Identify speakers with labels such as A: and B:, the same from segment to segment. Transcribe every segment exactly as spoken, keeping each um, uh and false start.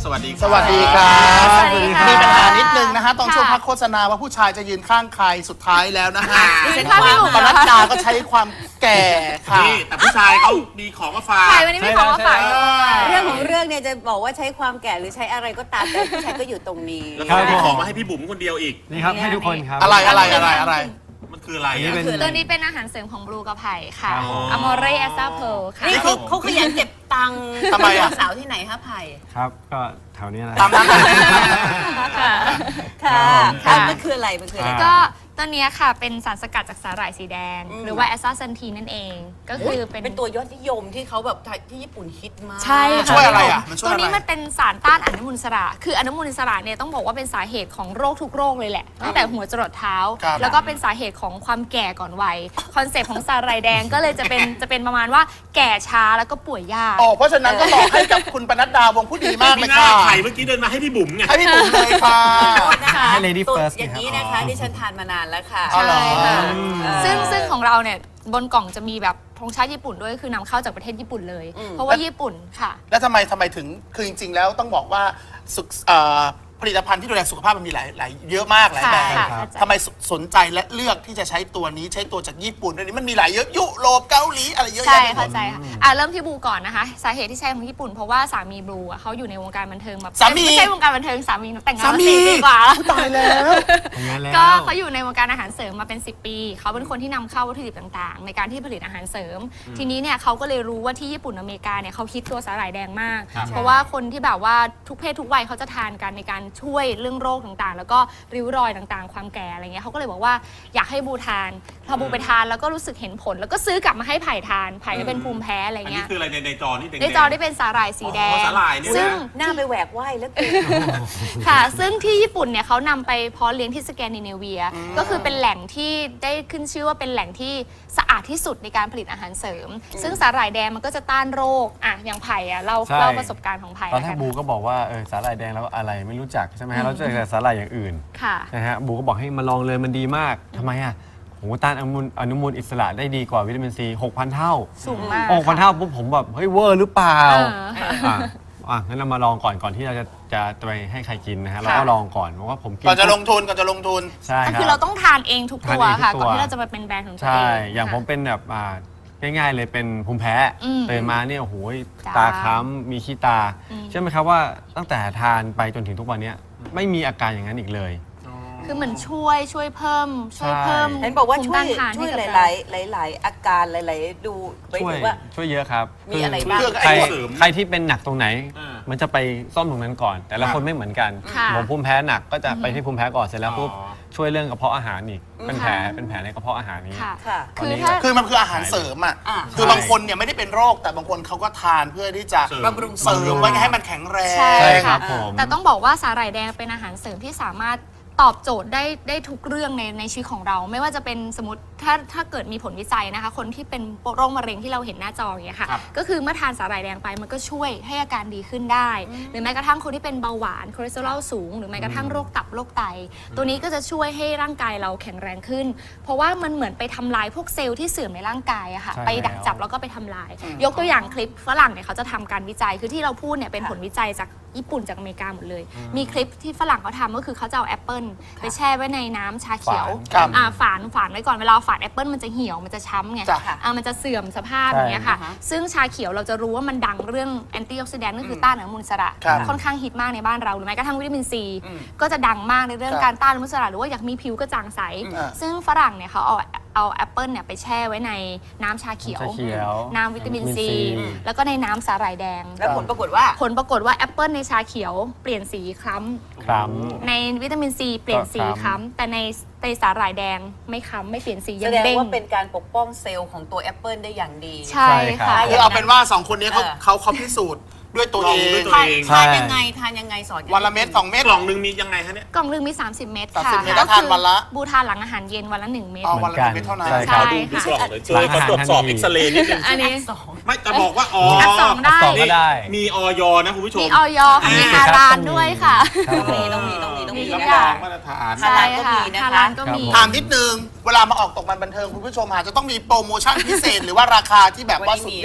A: สวัสดี
B: สวัสดีครับ
C: สวัสดีค่ะ
B: มีปัญหานิดนึงนะฮะตอนช่วง
C: ค่ะ
B: พักโฆษณาว่าผู้ชายจะยืนข้างใครสุดท้ายแล้วนะฮะ
C: ดิฉันข้างพี่หนุ่ม
B: ป
C: เหร
B: นั
C: อ
B: ด
C: คะ
B: ดาก็ใช้ความแก่ค่ะ
A: นี่แต่ผู้ชายเขามีของมาฝาก
C: ใช่วันนี้มีของมาฝากด้วย
D: เรื่องของเรื่องเนี่ยจะบอกว่าใช้ความแก่หรือใช้อะไรก็ตามแต่ผู้ชายก็อยู่ตรงนี้
A: แล้วก็มีของมาให้พี่บุ๋มคนเดียวอีก
E: นี่ครับให้ทุกคนครับ
B: อะไรอะไรอะไรอะไร
A: มันคืออะไร
E: อันนี้
A: อ่ะ
E: เป็น
C: ตัวนี้เป็นอาหารเสริมของบลูกระไผ่ค่ะ
E: ครับผม
C: อมอเรแอสซาเพลค่ะ
D: นี่เขาเขาขยันเก็บตังค์
B: ทำไมอะ
D: สาวที่ไหนคะไผ่
E: ครับก็แถวนี้แหละ
B: ตามนั้นนะ
C: ค่ะ
D: ค่ะ
C: ค่ะ
D: มันคืออะไรมันคืออะไร
E: อ่า
C: ก็ตัวเนี้ยค่ะเป็นสารสกัดจากสาหร่ายสีแดง หรือว่าแอสซาเซนทีนั่นเอง ก็คือเป็น
D: เป็นตัวยอดนิยมที่เขาแบบที่ญี่ปุ่นฮิตมาก
C: ใช่ค่ะ
B: ช่วยอะไรอ่ะมันช่วย
C: ตัว
B: อะไร
C: นี้มันเป็นสารต้านอนุมูลอิสระ คืออนุมูลอิสระเนี่ยต้องบอกว่าเป็นสาเหตุของโรคทุกโรคเลยแหละตั้งแต่หัวจรดเท้า
B: ครับ
C: แล้วก็เป็นสาเหตุของความแก่ก่อนวัยคอนเซปต์ของสาหร่ายแดงก็เลยจะเป็นจะเป็นประมาณว่าแก่ช้าแล้วก็ป่วยยาก
B: อ๋อเพราะฉะนั้นก็บอกให้กับคุณปนัดดาวงผู้ดีมากเล
A: มี
B: ย
A: หน้า
B: ค่ะ
A: ไข่เมื่อกี้เดินมาให้พี่บุ๋มไง
B: ให้พี่บุ๋มเลยค่ะ
D: นะคะ
E: ให้ lady
D: ตัว
E: first
D: อย่างนี้
E: นะ
D: นะครับ คะที่ฉันทานมานานแล้วค่ะ
B: อ๋อเหรอ
C: ใช่ค่ะ
D: เออ
C: ซึ่งซึ่งของเราเนี่ยบนกล่องจะมีแบบธงชาติญี่ปุ่นด้วยคือนำเข้าจากประเทศญี่ปุ่นเลย เพราะว่าญี่ปุ่นค่ะ
B: แล้วทำไมทำไมถึงคือจริง ๆ แล้วต้องบอกว่าสุขเอ่อผลิตภัณฑ์ที่ดูแลสุขภาพมันมีหลายหลายเยอะมากหลายแบบ
C: ค่ะค่ะ
B: ทำไมสสนใจและเลือกที่จะใช้ตัวนี้ใช้ตัวจากญี่ปุ่นด้วยนี่มันมีหลายเยอะยุโรปเกาหลีอะไรเยอะ
C: ใช่
B: แยะไปหม
C: เข้า
B: ด
C: ใจค่ะอ่ะเริ่มที่บลูก่อนนะคะ สาเหตุที่ใช้ของญี่ปุ่นเพราะว่าสามีบลูอ่ะเขาอยู่ในวงการบันเทิงมา
B: สามี
C: ไม่ใช่วงการบันเทิงสามีแต่งงาน
B: สา
C: มา
B: มี
C: สี่ปีกว่า
B: ตายแล้ว
E: อย่างนั้นแล้ว
C: ก็เขาอยู่ในวงการอาหารเสริมมาเป็น สิบ ปี เขาเป็นคนที่นำเข้าวัตถุดิบต่างๆ ในการที่ผลิตอาหารเสริม ทีนี้เนี่ยเขาก็เลยรู้ว่าที่ญี่ปุ่นอเมริกาเนี่ยเขาคิดตัวสาหร่ายแดงมาก เพราะว่าคนที่แบบว่าทุกเพศทุกวัยเขาจะทานกันในการช่วยเรื่องโรคต่างๆ แล้วก็ริ้วรอยต่างๆ ความแก่อะไรเงี้ยเขาก็เลยบอกว่าอยากให้บูทานพอบูไปทานแล้วก็รู้สึกเห็นผล แล้วก็ซื้อกลับมาให้ไผ่ทานไผ่ก็เป็นภูมิแพ้อะไร
A: อันนี้
C: เงี้ย
A: คืออะไรในในจอนี่แดงๆ
C: ในจอได้เป็นสาหร่ายสีแด
A: อ๋อง สาหร่ายเนี่ยนะ
C: ซึ่ง
D: หน้าไปแหวกว่ายแล้วเกิน
C: ค่ะ ซึ่งที่ญี่ปุ่นเนี่ยเขานำไปเพาะเลี้ยงที่สแกนดิเนเวีย ก็คือเป็นแหล่งที่ได้ขึ้นชื่อว่าเป็นแหล่งที่สะอาดที่สุดในการผลิตอาหารเสริม ซึ่งสาหร่ายแดงมันก็จะต้านโรคอ่ะอย่างไผ่อ่ะเรา
E: ใช่
C: เล่าประสบการณ์ของไผ่
E: ตอน
C: แล้ว
E: แร
C: กั
E: ก
C: น
E: บูก็บอกว่าเออสาหร่ายแดงแล้วอะไรไม่รู้จักใช่ไหมฮะเราเจอแต่สาหร่ายอย่างอื่น
C: ค่ะ
E: นะฮะบูก็บอกให้มาลองเลยมันดีมากทำไมอ่ะโหต้านอนุมูลอนุมูลอิสระได้ดีกว่าวิตามินซีหกพันเท่า
C: สูงมาก
E: หกพันเท่าปุ๊บผมแบบเฮ้ยเวอร์หรือเปล่า
C: เออ
E: อ่ะอ่ะงั้นเรามาลองก่อนก่อนที่เราจะจะไปให้ใครกินนะฮะเราก็ลองก่อนเพราะว่าผมกิน
B: ก่อนจะลงทุนก่อนจะลงทุน
E: ใช่ค
C: คือ
E: รั
C: เรา
E: บ
C: ต้องทานเองทุกตัว
E: ทานเองทุก
C: ค่ะ
E: ตัว
C: ก่อนที่เราจะมาเป็นแบรนด์ของตัว
E: ใช่
C: เอง
E: อย่างผม
C: ค่ะ
E: เป็นแบบอ่าง่ายๆเลยเป็นภูมิแพ้
C: อืม
E: ตื่นมาเนี่ยโอ้โห
C: จ้า
E: ตาค้ำมีขี้ตา
C: อืม
E: เชื่อไหมครับว่าตั้งแต่ทานไปจนถึงทุกวันเนี้ยไม่มีอาการอย่างนั้นอีกเลย
C: คือเหมือนช่วยช่วยเพิ่ม ช่วยเพิ่ม
D: เห็นบอกว่าช่วย
C: ภูมิต้นทาน
D: ช่วย
C: ให้
D: ห
C: กับ
D: ลาย
C: เรา
D: ๆหลาย ๆ อาการหลาย ๆ ดูไป
E: ช่วย
D: ถึงว่า
E: ช่วยเยอะครับ
D: มีอะไร
E: คื
D: บ้าง
B: เรื่อง
E: ใคร
B: ไอ้
A: เสริม
E: ใครที่เป็นหนักตรงไหน
A: อ่า
E: มันจะไปซ่อมตรงนั้นก่อน แต่ละคนไม่เหมือนกัน
C: ค่ะ
E: ผมภูมิแพ้หนักก็จะไปที่ภูมิแพ้ก่อนเสร็จแล้วปุ๊บ
A: อ๋อ
E: ช่วยเรื่องกระเพาะอาหารอีกเป็นแผล
C: ค่ะ
E: เป็นแผลในกระเพาะอาหารนี้
C: ค่ะ
D: ค่ะ
C: คือถ้า
B: คือมันคืออาหารเสริมอ่ะ
D: อ่า
B: คือบางคนเนี่ยไม่ได้เป็นโรคแต่บางคนเขาก็ทานเพื่อที่จะ
A: เสริม
D: บำรุง
B: เสริมไว้ให้มันแข็งแรง
C: ใช่
E: ใช่ค
C: ค่ะ
E: รับผม
C: แต่ต้องบอกว่าสาหร่ายแดงเป็นอาหารเสริมที่สามารถตอบโจทย์ได้ได้ทุกเรื่องในในชีวิตของเรา ไม่ว่าจะเป็นสมมติถ้าถ้าเกิดมีผลวิจัยนะคะ คนที่เป็นโรคมะเร็งที่เราเห็นหน้าจออย่างเงี้ยค่ะ
A: ครับ
C: ก็คือเมื่อทานสาหร่ายแดงไปมันก็ช่วยให้อาการดีขึ้นได้ หรือแม้กระทั่งคนที่เป็นเบาหวานคอเลสเตอรอลสูง หรือแม้กระทั่งโรคตับโรคไต ตัวนี้ก็จะช่วยให้ร่างกายเราแข็งแรงขึ้น เพราะว่ามันเหมือนไปทำลายพวกเซลล์ที่เสื่อมในร่างกายอะค่ะ
E: ใช่
C: ไปดัก
E: แล้ว
C: จับแล้วก็ไปทำลาย ยกตัวอย่างคลิปฝรั่งเนี่ยเขาจะทำการวิจัยคือที่เราพูดเนี่ยเป็นผลวิจัยจากญี่ปุ่นจากอเมริกาหมดเลย มีคลิปที่ฝรั่งเขาทำก็คือเขาจะเอาแอปเปิลไปแช่ไว้ในน้ำชาเขียว
B: ครับ
C: อ่าฝานฝานไว้ก่อนเวลาฝานแอปเปิลมันจะเหี่ยวมันจะช้ำไง
B: จ้ะ
C: อ่ามันจะเสื่อมสภาพ
E: ใช่
C: อย่างเงี้ยค่ะ ซึ่งชาเขียวเราจะรู้ว่ามันดังเรื่องแอนตี้ออกซิแดนต์ก็คือต้านอนุมูลอิสระ
B: ครับ
C: ค่อนข้างฮิตมากในบ้านเราหรือแม้กระทั่งวิตามินซีก็จะดังมากในเรื่องการต้านอนุมูลอิสระหรือว่าอยากมีผิวกระจ่างใส
B: อ่า
C: ซึ่งฝรั่งเนี่ยเขาเอาเอาแอปเปิลเนี่ยไปแช่ไว้ในน้ำชาเขียว
E: ชาเขียว
C: น้ำวิตามินซี
E: วิตามิน C
C: แล้วก็ในน้ำสาหร่ายแดง
D: แล้วผลปรากฏว่า
C: ผลปรากฏว่าแอปเปิลในชาเขียวเปลี่ยนสีคล้
E: ครั
C: ำในวิตามินซีเปลี่ยนสี
E: ก็
C: ค
E: คล้ำ
C: ล้ำแต่ในในสาหร่ายแดงไม่คล้ำไม่เปลี่ยนสี
D: แส
C: ยัง
D: ดง
C: เด้ง
D: ว่าเป็นการปกป้องเซลล์ของตัวแอปเปิลได้อย่างดี
C: ใช่ค่ะ
B: คือเอาเป็นว่าสองคนนี้เขา
D: เออ
B: เขาเขาพิสูจน์ด้วยตัว
A: ล
B: เอ
A: องด้วย
B: ง
A: ตัว
D: ทาน
A: เอง
E: ใช่
D: ทานยังไงทานยังไงสอน
B: วันละเม็ดสองเม็ด
A: กล่องหนึ่งมียังไงฮะเนี่ย
C: กล่องหนึงมี สามสิบ เม็ด
B: สาม
C: ค่ะ
B: สิบเม็ดแล้วทานวันละ
C: บูทานหลังอาหารเย็นวันละหนึ่งเม็ด
B: อ๋อ
E: เหมื
B: วัน
E: อน
B: ละ
E: กัน
B: เม็ดเท่านั้น
E: ใช่
C: ใช่
E: ครับ
A: ดู
C: ค่ะ
A: กล่องเลยเจอเขาตรวจสอบเอ็กซเรย์นิดนึง
C: อันนี้
D: สอง
A: ไม่จะบอกว่าอ๋อ
C: อัดสองได้
E: อัดสองก็ได้
A: มีออยนะคุณผู้ช
C: มี
A: ม
C: ออยค่ะมี
E: อ่า
C: ฮาลาลด้วยค่ะ
E: ครับผม
D: ต้องมีต้องมีต้องมี
C: มี
D: ต้อง
C: ทุ
D: มี
C: ก
A: รับ
C: อย่าร
A: อง งมาตรฐาน
D: ฮาลาลก็มีนะคะ
C: ฮาลาลก็มี
E: ครับผม
B: ถามนิดนึง เวลามาออกตกมันบันเทิงคุณผู้ชมอาจจะต้องมีโปรโมชั่นพิเศษ หรือว่าราคาที่แบบว่าสุดยอด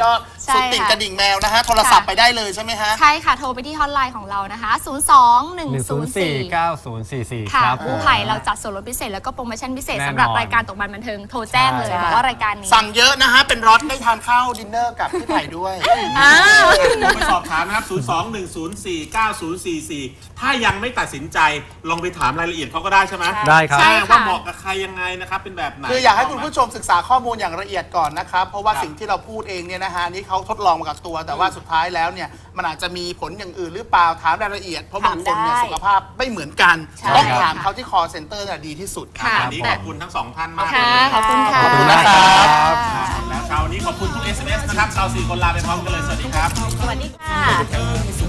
C: ใช่
B: สุดติ่ง
C: ค่ะ
B: กระดิ่งแมวนะฮะโทรศัพท์ไปได้เลยใช่ไหมฮะ
C: ใช่ค่ะ โทรไปที่ฮอตไลน์ของเรานะคะ ศูนย์ สอง หนึ่ง
E: หนึ่ง
C: ศู
E: ศู
C: น
E: น
C: ย์
E: ย์
C: สี่
E: สี่เก้าศูนย์สี่สี่
C: ค่ะ
E: ครับ
C: กู้ภัยเราจัดส่วนลดพิเศษแล้วก็โปรโมชั่นพิเศษ
E: แน่นอน
C: สำหรับรายการตกบันบันเทิงโทรแจ้งเลย
E: ใช่
C: บอกว่ารายการนี้
B: สั่งเยอะนะฮะ เป็นรถได้ทานข้าวดินเนอร์กับพี่ไผ่ด้วย
C: อ้าว
A: โทรไปสอบถามนะครับ ศูนย์ สอง หนึ่ง ศูนย์ สี่ เก้า ศูนย์ สี่ สี่ ถ้ายังไม่ตัดสินใจลองไปถามรายละเอียดเขาก็ได้ใช่ไหม
E: ได้ครับ
C: ใช่
A: ว่าเหมาะกับใครยังไงนะครับเป็นแบบไหน
B: คืออยากให้คุณผู้ชมศึกษาข้อมูลอย่างละเอียดก่อนนะครับ เพราะว่า
A: ครับ
B: สิ่งที่เราพูดเองเนี่ยนะฮะนี่เขาทดลองมากับตัว แต่ว่าสุดท้ายแล้วเนี่ยมันอาจจะมีผลอย่างอื่นหรือเปล่าถามรายละเอียด เพราะบางคนเนี่ย
D: ถามได้
B: สุขภาพไม่เหมือนกัน
D: ใช่
B: ต้อง
C: ครับ
B: ถามเขาที่ call center น่ะดีที่สุด
C: ค่ะ
A: วันนี้ขอบคุณทั้งสองท่านมาก
C: ค่ะ
A: เลย
C: ขอบคุณค่ะ
B: ขอบคุณนะครับ
C: ค่ะ
A: แล้วเช้านี้ขอบคุณทุก เอส เอ็ม เอส นะครับเราสี่คนลาไปพร้อมกันเลย สวัสดีครับ
D: สวัสดีค่ะ